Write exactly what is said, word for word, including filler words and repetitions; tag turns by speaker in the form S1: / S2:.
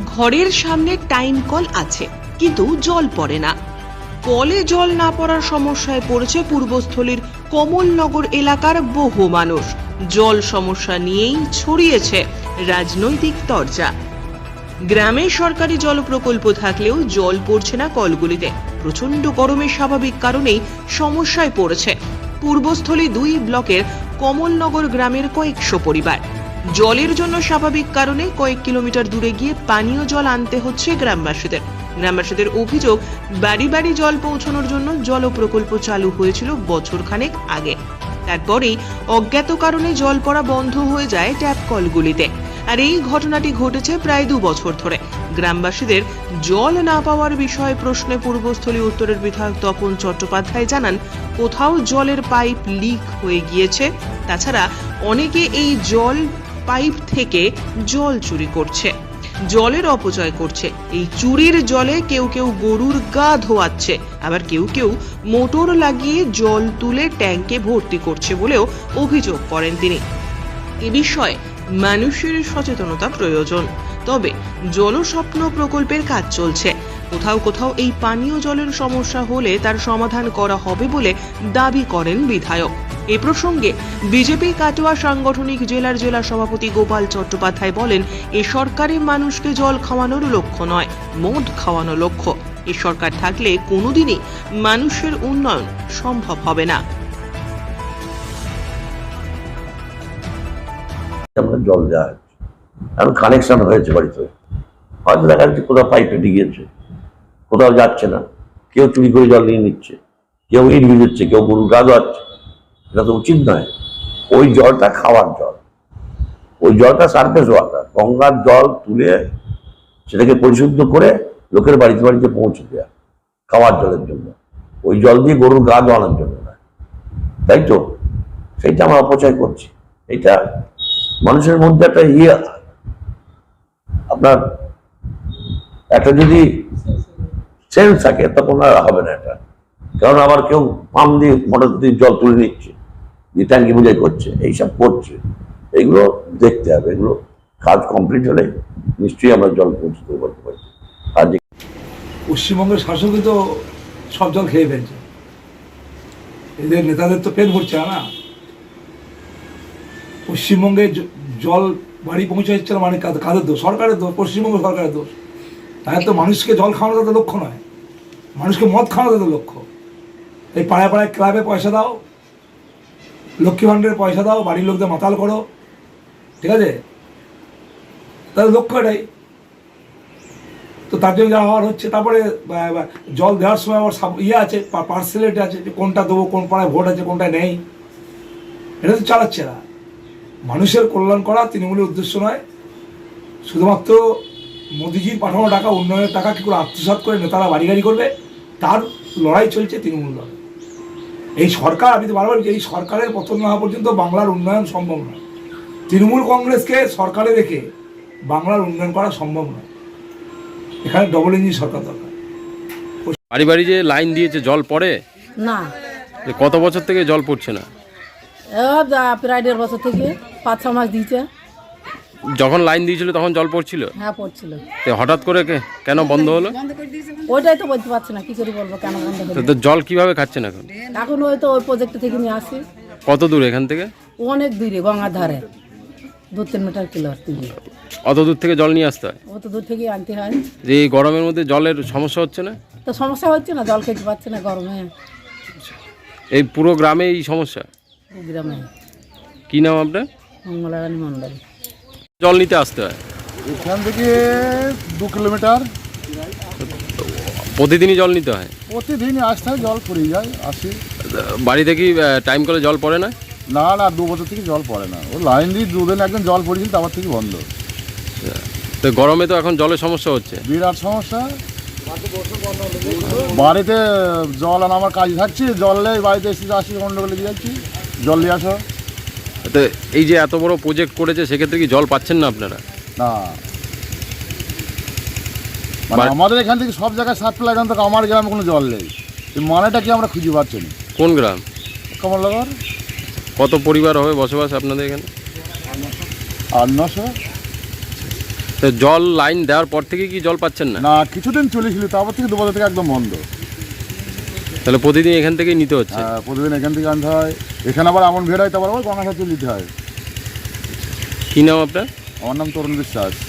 S1: ঘরের সামনে time call আছে, কিন্তু জল পড়ে না। কলে জল না পড়ার সমস্যায় পড়েছে পূর্বস্থলীর কমলনগর এলাকার বহু মানুষ। জল সমস্যা নিয়েই ছড়িয়েছে রাজনৈতিক তরজা। গ্রামে সরকারি জল প্রকল্প থাকলেও জল পড়ছে না কলগুলিতে। প্রচন্ড গরমের স্বাভাবিক কারণেই সমস্যায় পড়েছে পূর্বস্থলী দুই ব্লকের কমলনগর গ্রামের কয়েকশো পরিবার। জলের জন্য স্বাভাবিক কারণে কয়েক কিলোমিটার দূরে গিয়ে পানীয় জল আনতে হচ্ছে গ্রামবাসীদের। গ্রামবাসীদের অভিযোগ, বাড়ি বাড়ি জল পৌঁছানোর জন্য জল প্রকল্প চালু হয়েছিল বছর খানেক আগে। তারপরেই অজ্ঞাত কারণে জল পড়া বন্ধ হয়ে যায় ট্যাপ কলগুলিতে। আর এই ঘটনাটি ঘটেছে প্রায় দু বছর ধরে। গ্রামবাসীদের জল না পাওয়ার বিষয়ে প্রশ্নে পূর্বস্থলী উত্তরের বিধায়ক তপন চট্টোপাধ্যায় জানান, কোথাও জলের পাইপ লিক হয়ে গিয়েছে। তাছাড়া অনেকে এই জল পাইপ থেকে জল চুরি করছে, জলের অপচয় করছে। এই চুরির জলে কেউ কেউ গরুর গা ধোয়াচ্ছে, আবার কেউ কেউ মোটর লাগিয়ে জল তুলে ট্যাঙ্কে ভর্তি করছে বলেও অভিযোগ করেন তিনি। এ বিষয়ে মানুষের সচেতনতা প্রয়োজন। তবে জলস্বপ্ন প্রকল্পের কাজ চলছে। কোথাও কোথাও এই পানীয় জলের সমস্যা হলে তার সমাধান করা হবে বলে দাবি করেন বিধায়ক। এ প্রসঙ্গে বিজেপি কাটোয়া সাংগঠনিক জেলার জেলা সভাপতি গোপাল চট্টোপাধ্যায় বলেন, এ সরকারে মানুষকে জল খাওয়ানোর লক্ষ্য নয়, মদ খাওয়ানো লক্ষ্য। এ সরকার থাকলে কোনোদিনই মানুষের উন্নয়ন সম্ভব হবে না।
S2: জল দেওয়া হচ্ছে, এখন কানেকশন হয়েছে বাড়িতে, হয়তো দেখা যাচ্ছে কোথাও পাইপে ঢিগিয়েছে, কোথাও যাচ্ছে না, কেউ চুরি করে জল নিয়ে নিচ্ছে, কেউ ইট ভিজেছে, কেউ গরুর গা ধোয়াচ্ছে। এটা তো উচিত নয়। ওই জলটা খাওয়ার জল, ওই জলটা সারফেস ওয়াটার, গঙ্গার জল তুলে সেটাকে পরিশুদ্ধ করে লোকের বাড়িতে বাড়িতে পৌঁছে দেওয়া খাওয়ার জলের জন্য। ওই জল দিয়ে গরুর গা ধোয়ানোর জন্য না, তাই তো? সেইটা আমরা অপচয় করছি। এটা মানুষের মধ্যে একটা ইয়ে, আপনার একটা যদি সেন্স থাকে তখন আর হবে না এটা। কারণ আবার কেউ পাম্প দিয়ে মোটর দিয়ে জল তুলে নিচ্ছে, দিয়ে ট্যাঙ্কি বোঝাই করছে, এইসব করছে। এগুলো দেখতে হবে, এগুলো কাজ কমপ্লিট হলে নিশ্চয়ই আমরা জল পৌঁছে করতে পারি। আর যে
S3: পশ্চিমবঙ্গের শাসকই তো সব জল খেয়ে ফেলছে, এদের নেতাদের তো পেট ভরছে না। পশ্চিমবঙ্গে জল বাড়ি পৌঁছে যাচ্ছে না, মানে কাদের দোষ? সরকারের দোষ, পশ্চিমবঙ্গ সরকারের দোষ। তাই তো মানুষকে জল খাওয়ানো তাদের লক্ষ্য নয়, মানুষকে মদ খাওয়ানো তাদের লক্ষ্য। এই পাড়ায় পাড়ায় ক্লাবে পয়সা দাও, লক্ষ্মী ভাণ্ডারের পয়সা দাও, বাড়ির লোকদের মাতাল করো, ঠিক আছে? তাদের লক্ষ্য এটাই তো, তার জন্য যা হওয়ার হচ্ছে। তারপরে জল দেওয়ার সময় আবার ইয়ে আছে, পার্সেলেট আছে, যে কোনটা দেবো, কোন পাড়ায় ভোট আছে, কোনটা নেই, এটা তো চালাচ্ছে না। মানুষের কল্যাণ করা তৃণমূলের উদ্দেশ্য নয়। শুধুমাত্র মোদিজির পাঠানো টাকা, উন্নয়নের টাকা কী করে আত্মসাৎ করে নেতারা বাড়ি গাড়ি করবে, তার লড়াই চলছে তৃণমূল লড়াই। এই সরকার, আমি তো বারবার বলছি, এই সরকারের পতন না হওয়া পর্যন্ত বাংলার উন্নয়ন সম্ভব নয়। তৃণমূল কংগ্রেসকে সরকারে রেখে বাংলার উন্নয়ন করা সম্ভব নয়। এখানে ডবল ইঞ্জিন সরকার দরকার।
S4: বাড়ি বাড়ি যে লাইন দিয়েছে, জল পড়ে
S5: না?
S4: কত বছর থেকে জল পড়ছে না?
S5: প্রায় দেড় বছর থেকে, পাঁচ ছ মাস দিয়েছে।
S4: যখন লাইন দিয়েছিল তখন জল পড়ছিল?
S5: হ্যাঁ, পড়ছিল।
S4: তো হঠাৎ করে কেন বন্ধ হলো?
S5: ওইটাই তো বলতে পারছি না, কি করে বলবো কেন বন্ধ হলো।
S4: তো জল কিভাবে খাচ্ছেন এখন?
S5: এখন ওই তো ওই প্রজেক্ট থেকে নিয়ে আসি।
S4: কত দূর এখান থেকে?
S5: অনেক দূরে, গঙ্গার ধারে, দু তিন মিটার কিলো দূরে।
S4: অত দূর থেকে জল নিয়ে আসতে হয়?
S5: অত দূর থেকে আনতে হয়।
S4: যে এই গরমের মধ্যে জলের সমস্যা হচ্ছে না?
S5: তো সমস্যা হচ্ছে না, জল খেতে পাচ্ছে না গরমে।
S4: এই পুরো গ্রামে এই সমস্যা?
S5: গ্রামে।
S4: কি নাম আপনার?
S5: মঙ্গলারানী মন্ডল।
S4: জল নিতে আসতে হয়
S6: এখান থেকে দু কিলোমিটার।
S4: প্রতিদিনই জল নিতে হয়?
S6: প্রতিদিনই আসতে হয়, জল পড়ে যায়, আসি।
S4: বাড়িতে কি টাইম করে জল পড়ে না?
S6: না না, দু বছর থেকে জল পড়ে না। ও লাইন দিয়ে দুদিন একদিন জল পড়েছিল, তারপর থেকে বন্ধ।
S4: তো গরমে তো এখন জলের সমস্যা হচ্ছে,
S6: বিরাট সমস্যা। বাড়িতে জল আনা আমার কাজ থাকছে, জল নেই, বাড়িতে এসে আসি, গন্ডগোলে দিয়ে যাচ্ছি, জল নিয়ে আসো।
S4: তো এই যে এত বড় প্রজেক্ট করেছে, সেক্ষেত্রে কি জল পাচ্ছেন না আপনারা?
S6: না, মানে আমাদের এখান থেকে সব জায়গায় সাপ্লাই, এখান থেকে আমার গ্রামে কোনো জল নেই। এই মানেটা কি আমরা খুঁজে পাচ্ছি না।
S4: কোন গ্রাম?
S6: কমলনগর।
S4: কত পরিবার হবে বসবাস আপনাদের এখানে?
S6: আট নশো।
S4: তো জল লাইন দেওয়ার পর থেকে কি জল পাচ্ছেন না?
S6: না, কিছুদিন চলেছিল, তারপর থেকে দু বছর থেকে একদম বন্ধ।
S4: তাহলে প্রতিদিন এখান থেকেই নিতে হচ্ছে?
S6: হ্যাঁ, প্রতিদিন এখান থেকে আনতে হয়, এখানে আবার এমন ভিড় হয়, তারপর আবার গঙ্গাসাগর নিতে হয়।
S4: কি নাম আপনার?
S6: আমার নাম তরুণ বিশ্বাস।